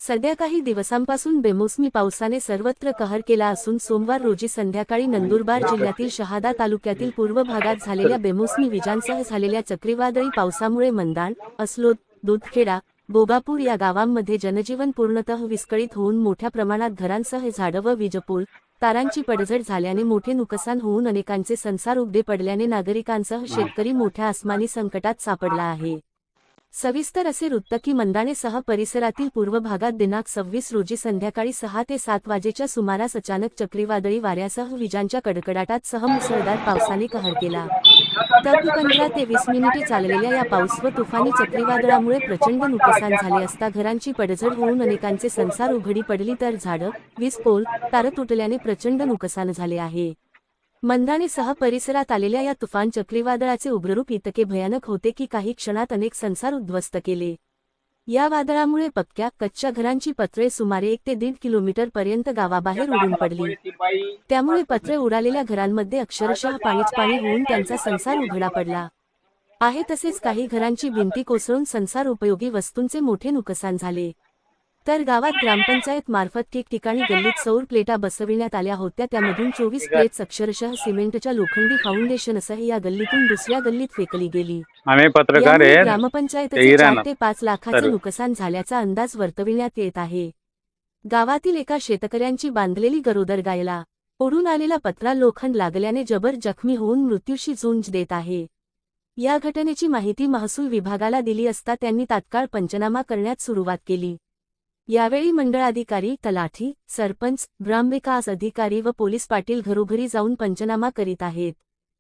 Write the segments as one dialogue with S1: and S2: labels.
S1: सध्या काही दिवसांपासून बेमोसमी पावसाने सर्वत्र कहर केला असून सोमवार रोजी संध्याकाळी नंदुरबार जिल्ह्यातील शहादा तालुक्यातील पूर्व भागात झालेल्या बेमोसमी विजांसह झालेल्या चक्रीवादळी पावसामुळे मंदाण, अस्लोद, दूधखेडा, बोगापूर या गावांमध्ये जनजीवन पूर्णतः विस्कळीत होऊन मोठ्या प्रमाणात घरांसह झाडं व वीजपोल, तारांची पडझड झाल्याने मोठे नुकसान होऊन अनेकांचे संसार उघडे पडल्याने नागरिकांसह शेतकरी मोठ्या आसमानी संकटात सापडला आहे। सविस्तर असे वृत्त की मंदाणेसह परिसरातील पूर्व भागात दिनांक 26 रोजी संध्याकाळी 6 ते 7 वाजेच्या सुमारास अचानक चक्रीवादळी वाऱ्यासह विजांच्या कडकडाटात सह मुसळधार पावसाने कहर केला। तब्बल 15 ते 20 मिनिटे चाललेल्या या पाऊस व तुफानी चक्रीवादळामुळे प्रचंड नुकसान झाले असता घरांची पडझड होऊन अनेकांचे संसार उघडी पडली तर झाडं, वीज पोल, तार तुटल्याने प्रचंड नुकसान झाले आहे। मंदाणेसह परिसरात आलेल्या या तुफान चक्रीवादळाचे उग्ररूप इतके भयानक होते की काही क्षणात अनेक संसार उद्ध्वस्त केले। या वादळामुळे पक्क्या कच्च्या घरांची पत्रे सुमारे 1 ते 1.5 किलोमीटर पर्यंत गावाबाहेर उडून पडली। त्यामुळे पत्रे उडालेल्या घरांमध्ये अक्षरशः पाणीच पाणी होऊन त्यांचा संसार उघडा पडला आहे। तसेच काही घरांची भिंती कोसळून संसार उपयोगी वस्तूंचे मोठे नुकसान झाले। तर गावात ग्रामपंचायत मार्फत ठिकठिकाणी गल्लीत सौर प्लेटा बसविण्यात आल्या होत्या, त्यामधून 24 प्लेट्स अक्षरशः सिमेंटच्या लोखंडी फाउंडेशनसह या गल्लीतून दुसऱ्या गल्लीत फेकली गेली।
S2: आम्ही पत्रकार
S1: यामुळे
S2: आहेत,
S1: ग्रामपंचायतीचे 4 ते 5 लाखाचे नुकसान झाल्याचा अंदाज वर्तविण्यात येत आहे। गावातील एका शेतकऱ्यांची बांधलेली गरोदर गायला ओढून आलेला पत्रा लोखंड लागल्याने जबर जखमी होऊन मृत्यूशी झुंज देत आहे। या घटनेची माहिती महसूल विभागाला दिली असता त्यांनी तात्काळ पंचनामा करण्यास सुरुवात केली। यावेळी मंडळाधिकारी, तलाठी, सरपंच, ग्रामविकास अधिकारी व पोलीस पाटील घरोघरी जाऊन पंचनामा करीत आहेत।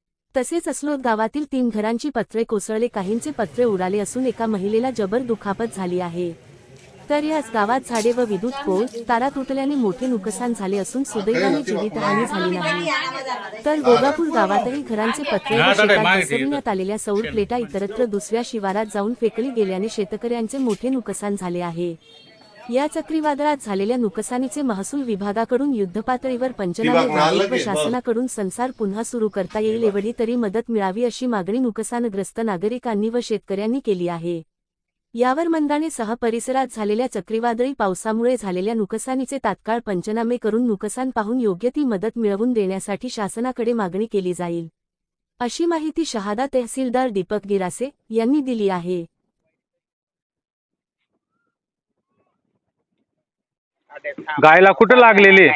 S1: तसेच अस्लोद गावातील 3 घरांची पत्रे कोसळले, काहींचे पत्रे उडाले असून एका महिलेला जबर दुखापत झाली आहे। तर याच गावात झाडे व विद्युत पोल, तारा तुटल्याने मोठे नुकसान झाले असून सुदैवाने जीवितहानी झाली नाही। तर बोगापूर गावातही घरांचे पत्रे व शेतात बसविण्यात आलेल्या सौर प्लेटा इतरत्र दुसऱ्या शिवारात जाऊन फेकली गेल्याने शेतकऱ्यांचे मोठे नुकसान झाले आहे। या चक्रीवादळात झालेल्या नुकसानीचे महसूल विभागाकडून युद्धपातळीवर पंचनामे व्हावेत व शासनाकडून संसार पुन्हा सुरू करता येईल एवढी तरी मदत मिळावी अशी मागणी नुकसानग्रस्त नागरिकांनी व शेतकऱ्यांनी केली आहे। यावर मंदाणेसह परिसरात झालेल्या चक्रीवादळी पावसामुळे झालेल्या नुकसानीचे तात्काळ पंचनामे करून नुकसान पाहून योग्य ती मदत मिळवून देण्यासाठी शासनाकडे मागणी केली जाईल, अशी माहिती शहादा तहसीलदार दीपक गिरासे यांनी दिली आहे।
S2: गायला कुठं लागलेली?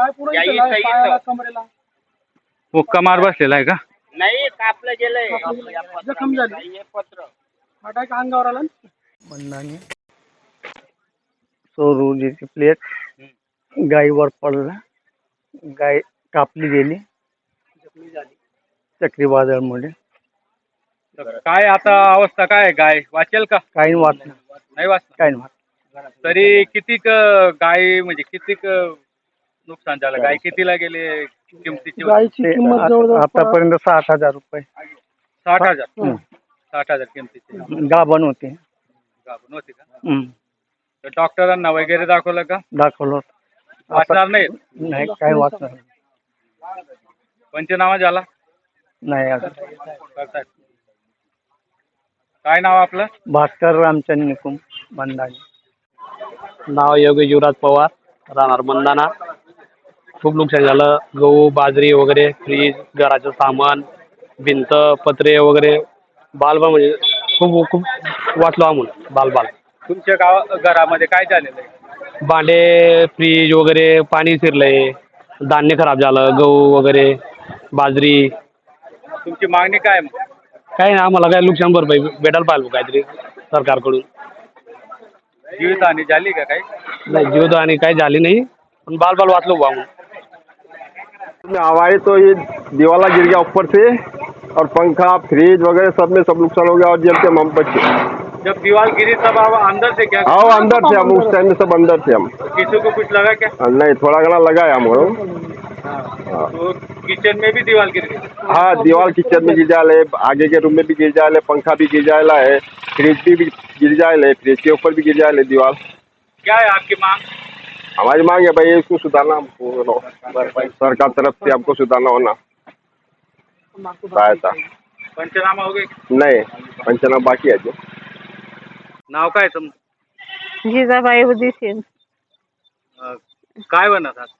S2: मुक्का मार बसलेला आहे का?
S3: नाही, कापलं गेलंय, जखम झाली। पत्र अटॅक अंगावर आला।
S4: मंदाने सौर ऊर्जेची प्लेट गायीवर पडला, गाय कापली गेली चक्रीवादळामुळे।
S2: काय आता अवस्था काय? गाय वाचेल का?
S4: काही वाटलं
S2: नाही वाचणार?
S4: काही नाही।
S2: तरी कितीक गाय म्हणजे कितीक नुकसान झालं? गाय कितीला गेले? किमतीची
S4: गायची किंमत जवळजवळ आतापर्यंत 60,000 रुपये।
S2: 60,000? 60,000 किमतीची
S4: गाभण होते।
S2: गाभण होती का? तर डॉक्टरांना वगैरे दाखवलं का?
S4: दाखवलं
S2: वाचणार नाही?
S4: नाही, काही वाचणार
S2: पंचनामा झाला
S4: नाही अजून।
S2: करतायत. काय नाव आपलं?
S4: भास्कर रामचंद्र निकुम, मंदाने।
S5: नाव योगेश युवराज पवार, राहणार मंदाना। खूप नुकसान झालं, गहू, बाजरी वगैरे, फ्रीज, घराचं सामान, भिंत, पत्रे वगैरे, बालबाल म्हणजे खूप खूप वाचलो आम्ही बालबाल।
S2: तुमच्या घरामध्ये काय झालेलं आहे?
S5: भांडे, फ्रीज वगैरे पाणी शिरलंय, धान्य खराब झालं, गहू वगैरे, बाजरी।
S2: तुमची मागणी काय आहे मग?
S5: काही नाही, आम्हाला काय नुकसान भरपाई भेटायला पाहिजे काहीतरी सरकारकडून।
S2: जीवितहानी झाली का काही?
S5: नाही, जीवहानी काही झाली नहीं, पण बाल वाचलो हुआ हूँ।
S6: हवाएं तो ये दीवाला गिर गया ऊपर से और पंखा, फ्रिज वगैरह सब में सब नुकसान हो गया और जल के हम बचे।
S2: जब दीवार गिरी तब आप अंदर से क्या?
S6: हाँ, अंदर थे हम, उस टाइम में सब अंदर थे हम।
S2: किसी को कुछ लगा क्या?
S6: नहीं, थोड़ा घना लगा है हमको।
S2: तो किचन में भी दीवार गिर गई?
S6: हाँ, दीवार किचन में गिर जाए, आगे के रूम में भी गिर जाए, पंखा भी गिर जाए है, फ्रिज भी गिर जाए, फ्रिज के ऊपर भी गिर जाए दीवार।
S2: क्या है आपकी मांग?
S6: हमारी मांग है भाई इसको सुधारना, हमको सरकार तरफ से हमको सुधारना होना सहायता।
S2: पंचनामा हो गए?
S6: नहीं, पंचनामा बाकी है जो।
S2: नाव काय तुम?
S7: जिजाबाई उदिसीन।
S2: काय बनत आज?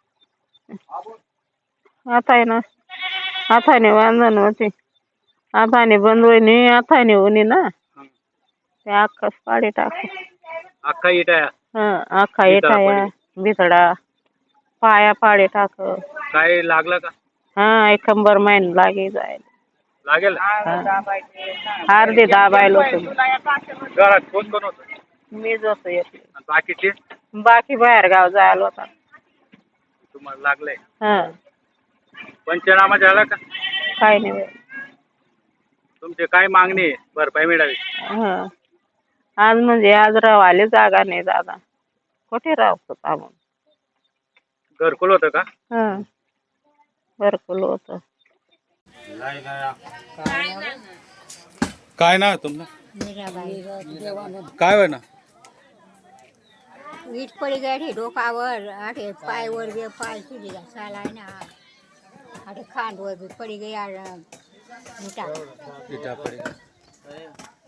S7: हाताने बांधण होते, हाताने बंदवणी, हाताने उनी ना ते अख्खाच पाडी टाक.
S2: अख्खा इटाया
S7: अख्खा येठाया बिथडा पाया पाडी टाक.
S2: काय लागला का?
S7: एक कंबर महिना लागे जायला.
S2: लागेल?
S7: अर्धे दाबायला होतो.
S2: घरात कोण कोण होतं?
S7: मीच होतो एकटी.
S2: आणि बाकीचे
S7: बाकी बाहेर गाव जायला होता.
S2: तुम्हाला लागलंय?
S7: हा
S2: पंचनामा झाला का?
S7: काय नाही बाई.
S2: तुमची काय मागणी आहे भरपाई मिळावी?
S7: आज म्हणजे आज रावाले जागा नाही दादा, कुठे राहतो आपण.
S2: घरकुल होतं का?
S7: घरकुल होतं.
S2: काय नाव तुमचं? काय होय ना?
S8: वीज पडी गाडी डोकावर आठे पायवर गे पाय सुजी साला ना आठे खांदवर पडी गई मिठा
S2: इटा पडी